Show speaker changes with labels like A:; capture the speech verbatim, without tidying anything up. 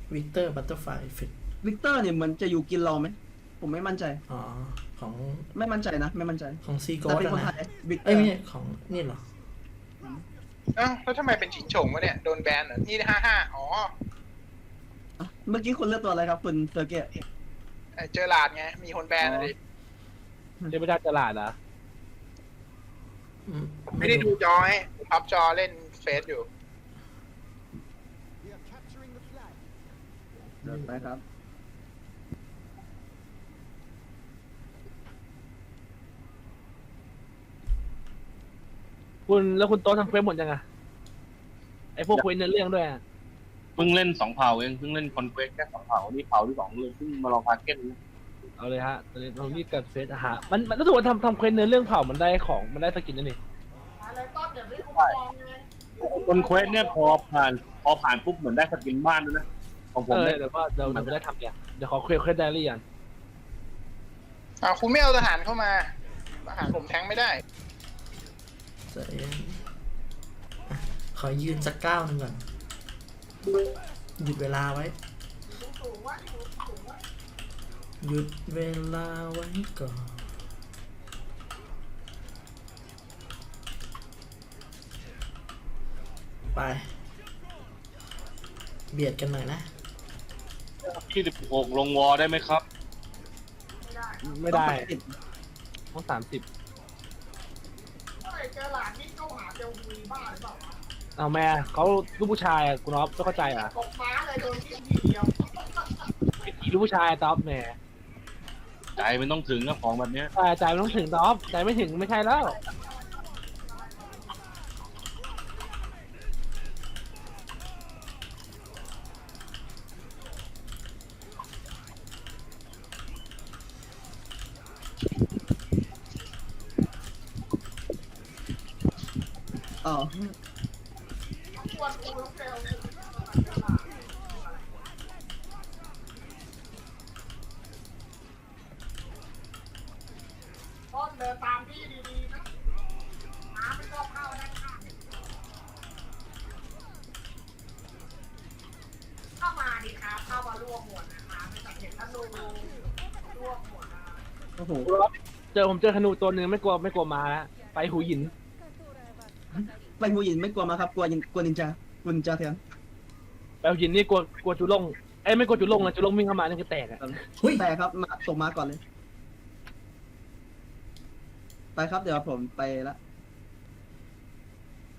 A: วิกเตอร์บัตเตอร์ไฟเอฟเฟกต์
B: วิกเตอร์เนี่ยเหมือนจะอยู่กินเราไหมผมไม่มั่นใจ
A: อ๋อของ
B: ไม่มั่นใจนะไม่มั่นใจ
A: ของซีโก
B: แต่
A: ส
B: เป็นคน
A: นะ
B: ไทยวิกเต
A: เอ้
B: อย
A: ไม่
B: ร์
A: ใช่ของนี่เหรอ
C: อ้าวแล้วทำไมเป็นชิงโฉงวะเนี่ย โดนแบนเหรอนี่ห้าห้าอ๋อ
B: เมื่อกี้คุณเลือกตัวอะไรครับคุณเซอร์เกต
C: ไอ้เจอหลาดไง มีคนแบนอะไร
D: เทพเจ้าตลาดเหรอ
A: อืม
C: ไม่ได้ดูจอให้ผมพับจอเล่นเฟซอยู่
B: เดินไปครับ
D: คุณแล้วคุณโต๊ะทำเควสหมดยังอะไอพวกเควสเนื้อเรื่องด้วยอะ
E: เพิ่งเล่นสองเผ่าเองเพิ่งเล่นคอนเควสแค่สองเผ่านี่เผ่าที่สองเลยเพิ่งมาลองพาเก็ตนะ
D: เอาเลยฮะตอนนี้เรารีบกับเควสอาหารมันมันรู้สึกว่าทำทำเควสเนื้อเรื่องเผ่ามันได้ของมันได้สกินนั่นนี่
E: คอนเควสเนี่ยพอผ่านพอผ่านปุ๊บเหมือนได้สกินบ้านด้วยนะของผ
D: เอ
E: ม
D: อ
E: เนี่ย
D: เดี๋ยวก็เดี๋ยวเดี๋ยวไม่ได้ทำเนี่ยเดี๋ยวขอเควสเควสไดอารี่ก่อน
C: อ่าคุณไม่เอาทหารเข้ามาทหารผมแทงไม่ได้
A: ใจเย็นอ่ะขอยืนสักก้าวหนึ่งก่อน หยุดเวลาไว้ หยุดเวลาไว้ก่อน ไป เบียดกันหน่อยนะ
E: ที่สิบหกลงวอได้ไหมครับ
D: ไม่ได้
B: ต้องปติด
D: ต้องสามสิบเอาแม่เขาลูกผู้ชายอะคุณอ๊อฟต้องเข้าใจอ่ะลูกผู้ชายอะต๊อปแหม
E: ใจมันต้องถึงนะของแบบเนี้ย
D: แต่ใจมันต้องถึงต๊อปใจไม่ถึงไม่ใช่แล้ว
B: อ๋อโอ้โห
D: คุณอ๊อฟเจอผมเจอธนูตัวหนึ่งไม่กลัวไม่กลัวมาแล้วไปหูหิน
B: ไปหูยินไม่กลัวมาครับกลัวยินกลัวนินจากุนินจาแทน
D: ไปหูหินนี่กลัวกลัวจุลงเอ้ยไม่กลัวจุลงนะจุลงวิ่งเข้ามานี่คือแตกอะ
A: หุ้ย
B: แต่ครับมาส่งมาก่อนเลย ไปครับเดี๋ยวผมไปละ